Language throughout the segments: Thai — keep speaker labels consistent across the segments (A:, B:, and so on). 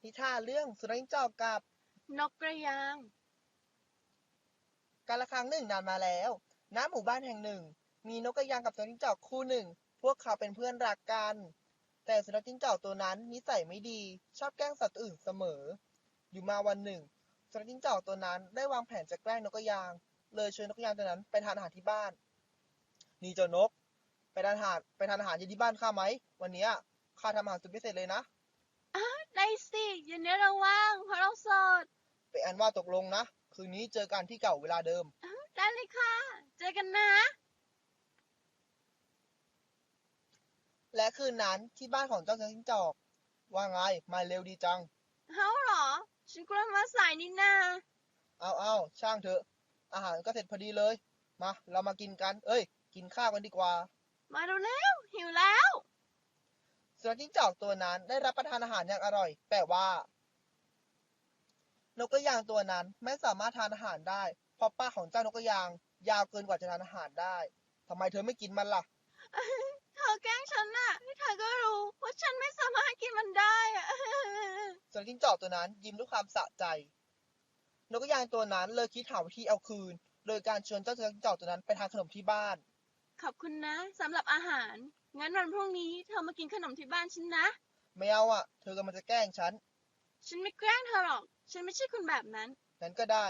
A: นิทานเรื่องสุนัขจิ้งจอกกับ
B: นกกระยาง
A: กาละครั้งหนึ่งนานมาแล้วณหมู่บ้านแห่งหนึ่งมีนกกระยางกับสุนัขจิ้งจอกคู่หนึ่งพวกเขาเป็นเพื่อนรักกันแต่สุนัขจิ้งจอกตัวนั้นนิสัยไม่ดีชอบแกล้งสัตว์อื่นเสมออยู่มาวันหนึ่งสุนัขจิ้งจอกตัวนั้นได้วางแผนจะแกล้งนกกระยางเลยชวนนกกระยางตัวนั้นไปทานอาหารที่บ้านนี่เจ้านกไปทานอาหารเย็นที่บ้านข้าไหมวันนี้ข้าทำอาหารสุดพิเศษเลยนะ
B: ได้สิเย็นนี้เราว่างเพราะเราโสด
A: ไปอันว่าตกลงนะคืนนี้เจอกันที่เก่าเวลาเดิม
B: ได้เลยค่ะเจอกันนะ
A: และคืนนั้นที่บ้านของเจ้าจิ้งจอกว่าไงมาเร็วดีจัง
B: เฮ้าเหรอฉันกลัวมาสายนี่นา
A: เอาช่างเถอะอาหารก็เสร็จพอดีเลยมาเรามากินกันเอ้ยกินข้าวกันดีกว่า
B: มาเร็วๆหิวแล้ว
A: สุนัขจิ้งจอกตัวนั้นได้รับประทานอาหารอย่างอร่อยแต่ว่านกกระยางตัวนั้นไม่สามารถทานอาหารได้เพราะปากของเจ้านกกระยางยาวเกินกว่าจะทานอาหารได้ทำไมเธอไม่กินมันล่ะ
B: เธอแกล้งฉันน่ะเธอก็รู้ว่าฉันไม่สามารถกินมันได้อะ
A: สุนัขจิ้งจอกตัวนั้นยิ้มด้วยความสะใจนกกระยางตัวนั้นเลยคิดหาวิธีเอาคืนโดยการชวนเจ้าสุนัขจิ้งจอกตัวนั้นไปทานขนมที่บ้าน
B: ขอบคุณนะสำหรับอาหารงั้นวันพรุ่งนี้เธอมากินขนมที่บ้านฉันนะ
A: ไม่เอาเธอกำลังจะแกล้งฉัน
B: ฉันไม่แกล้งเธอหรอกฉันไม่ใช่คนแบบนั้น
A: งั้นก็ได้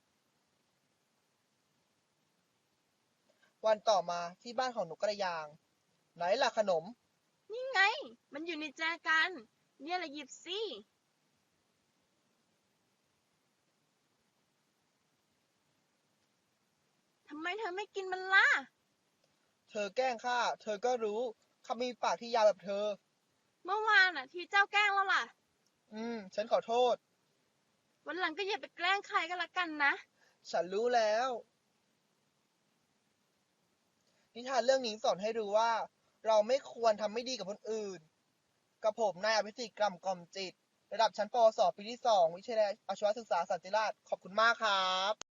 A: วันต่อมาที่บ้านของนกกระยางไหนล่ะขนม
B: นี่ไงมันอยู่ในแจกันเนี่ยแหละหยิบสิทำไมเธอไม่กินมันล่ะ
A: เธอแกล้งข้าเธอก็รู้ข้ามีปากที่ยาวแบบเธอ
B: เมื่อวานที่เจ้าแกล้งแล้วล่ะ
A: ฉันขอโทษ
B: วันหลังก็อย่าไปแกล้งใครก็แล้วกันนะ
A: ฉันรู้แล้วนิทานเรื่องนี้สอนให้รู้ว่าเราไม่ควรทำไม่ดีกับคนอื่นกับผมนายอภิสิทธิ์กล่ำกล่อมจิตระดับชั้นปวสปีที่2วิทยาลัยอาชีวศึกษาสันติราษฎร์ขอบคุณมากครับ